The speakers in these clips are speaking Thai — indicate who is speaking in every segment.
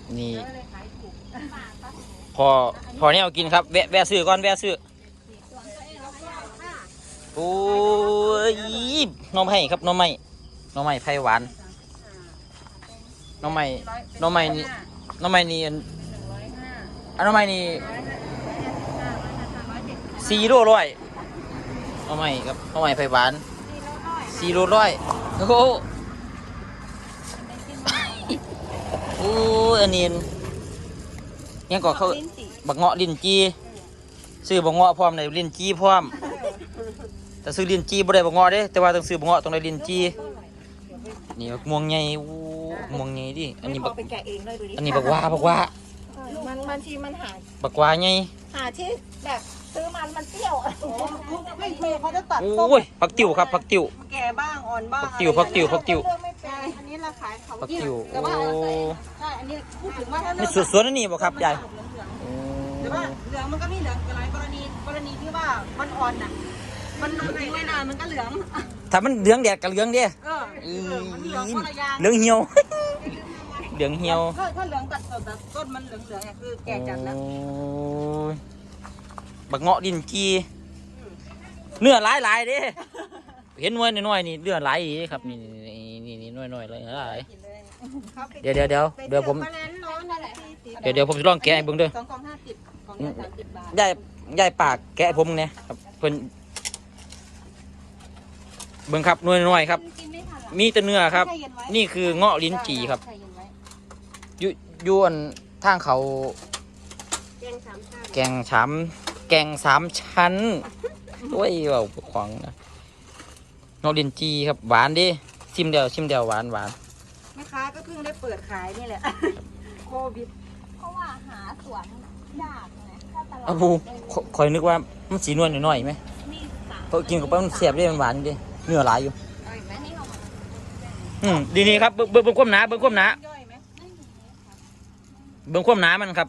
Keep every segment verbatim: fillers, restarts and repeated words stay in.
Speaker 1: นี่พอพอเนี่ยเอากินครับแวะแวะซื้อก่อนแวะซื้อโอ้ยน้องไม้ครับน้องไม้น้องไม้ไผ่หวานน้องไม้น้องไม้นี่น้องไม้นี่อันน้องไม้นี่สี่โลร้อยน้องไม้ครับน้องไม้ไผ่หวานสี่โลร้อยโอ้โหโอ้อันนี้ยังก็เขาบักเงาะลิ้นจีซื้อบักเงาะพร้อมในลิ้นจีพร้อมแต่ซื้อลิ้นจีบ่ได้บักเงาะเด้แต่ว่าต้องซื้อบักเงาะต้องได้ลิ้นจีนี่บักม่วงใหญ่โอ้ม่วงใหญ่ดิอันนี้บักอันนี้บักว่าบักว่า
Speaker 2: มันมันทีมันหา
Speaker 1: บักว่าใหญ่
Speaker 2: หาที่แบบซื้อมันมันเปรี้ยวไม่เคยเขาจะตัด
Speaker 1: โอ้ยผักติ๋วครับผักติ๋ว
Speaker 2: แก่บ้างอ่อนบ้าง
Speaker 1: ผักติ๋วผักติ๋วผักติ๋ว
Speaker 2: อันนี้เราขายเขา
Speaker 1: ผักติ๋วโอ้
Speaker 2: ใช่อันนี้พูดถึงว่าถ้า
Speaker 1: นี่สวนอันนี้บ่ครับยาย
Speaker 2: แต่ว่าเหลืองมันก็มีเหลืองหลายกรณีกรณีที่ว่ามันอ่อนน่ะมันทิ้งไว้นานมันก็เหลือง
Speaker 1: ถ้ามันเหลืองแดดกับเหลืองเด้
Speaker 2: เออมันเหลืองคนละอย่าง
Speaker 1: เหลืองเหี่ยวเหลืองเหี่ยว
Speaker 2: ถ้าถ้าเหลืองตัดสดแบบต้นมันเหลืองเหลืองเนี่ยคือแก่จัดแล้ว
Speaker 1: บักเงาะดินจีเนื้อหลายหลายเด้เห็นน้อยน้อยนี่เนื้อหลายครับนี่นี่นี่น้อยน้อยเลยหลายเดี๋ยวเดี๋ยวเดี๋ยวเดี๋ยวผมเดี๋ยวเดี๋ยวผมจะลองแกะให้เบิ่งเด้อ
Speaker 2: สองกล่องห้าสิบกล่องละสามสิบบาท
Speaker 1: ยายยายปากแกะผมเนี่ยครับเพิ่นเบิ่งครับน้อยน้อยครับมีแต่เนื้อครับนี่คือเงาะลิ้นจี่ครับยูยวนทางเขาแกงสามแกงสามชั้นด้วยว่าขวางนะเงาะลิ้นจี่ครับหวานดิชิมเดียวชิมเดียวหวานหวาน
Speaker 2: แม่ค้าก็เพิ่งได้เปิดขายนี่แหละโควิด
Speaker 3: เพราะว่าหาสวนยากไงถ้าตลาด
Speaker 1: อ้าวคอยนึกว่ามันสีนวลหน่อยๆไหมเพราะกินกับมันเสียบได้มันหวานดิเนื้อหลายอยู่อืมดีนี่ครับเบิ้งเบิ้งความหนาเบิ้งความหนาเบิ้งความหนามันครับ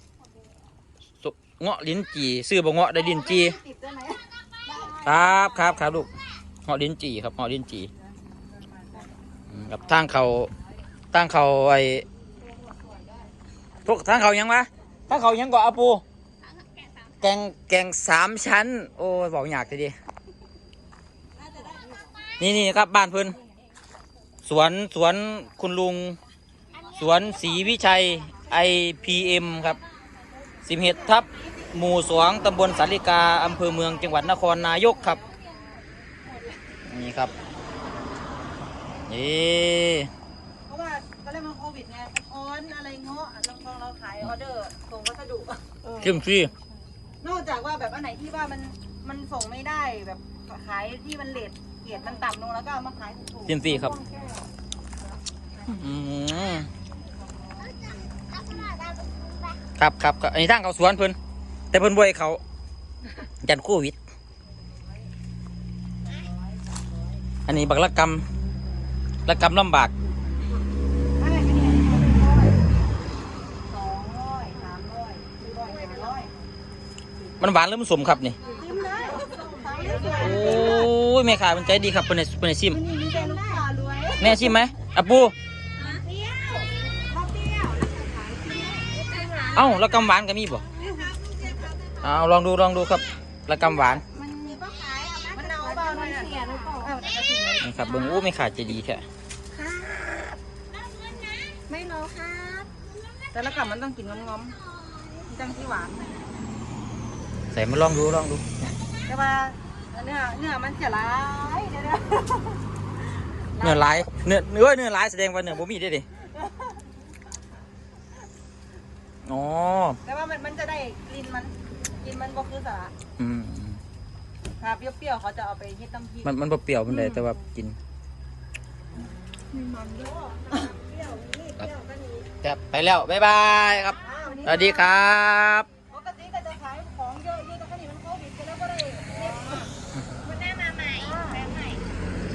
Speaker 1: เงาะลิ้นจี่ซื้อบ่เงาะได้ลิ้นจี่ครับครับครับลูกเงาะลิ้นจี่ครับเงาะลิ้นจี่กับทางเขาทางเขาไอ้พวกทางเขายังวะทางเขายังก่ออาปูแกงแกงสามชั้นโอ้ยบอกอยากเลยดินี่นี่ครับบ้านเพิ่นสวนสวนคุณลุงสวนศรีวิชัย ไอ พี เอ็ม ครับสิบเอ็ดทับหมู่สองตำบลสาริกาอำเภอเมืองจังหวัดนครนายกครับนี่ครับนี่
Speaker 2: เพราะว่าตอนแรกมันโควิดไงออนอะไรเงาะเราพอเราขายออเดอร์ส่งวัสดุ
Speaker 1: เข้มฟรี
Speaker 2: นอกจากว่าแบบอันไหนที่ว่ามันมันส่งไม่ได้แบบขายที่มันเลทเกียรมันต่ำลงแล้วก็เอามาขายถูกๆ
Speaker 1: เข้มฟรีครับครับครับอันนี้ทางเขาสวนเพิ่นแต่เพิ่นบ่ให้เขายันโควิดอันนี้บักละกำละกำลำบากมันหวานหรือมันสมครับนี่โอ้ยแม่ขายมันใจดีครับเป็นในเป็นในซิมแม่ชิมไหมอ่ะปูเอ้าละกำหวานก็มีบ่เอาลองดูลองดูครับละกำหวานนี่ครับเบิ้งโอ้ไม่ขาดจะดีแค่
Speaker 2: ไม่รอครับแต่ละกำมันต้องกินง้อมๆจังที่หวาน
Speaker 1: ใส่มาลองดูลองดู
Speaker 2: แต่ว่าเนื้อเนื้อมันจะร้ายเดี๋ยว
Speaker 1: เนื้อร้ายเนื้อเนื้อเนื้อร้ายแสดงว่าเนื้อบ่มีได้ดิอ๋อ
Speaker 2: แต่ว่ามันมันจะได้กลิ่นมันกลิ่นมันบ่คือสาระ
Speaker 1: อืม
Speaker 2: ถ้าเปรี้ยวๆเขาจะเอาไปเฮ็ดน้ำพริก
Speaker 1: มันมันบ่เปรี้ยวมันได้แต่ว่ากิน
Speaker 2: มันเยอะเปรี้ยวนี่เปรี้ยวก็นี้
Speaker 1: ครับไปแล้วบ๊ายบายครับสวัสดีครับ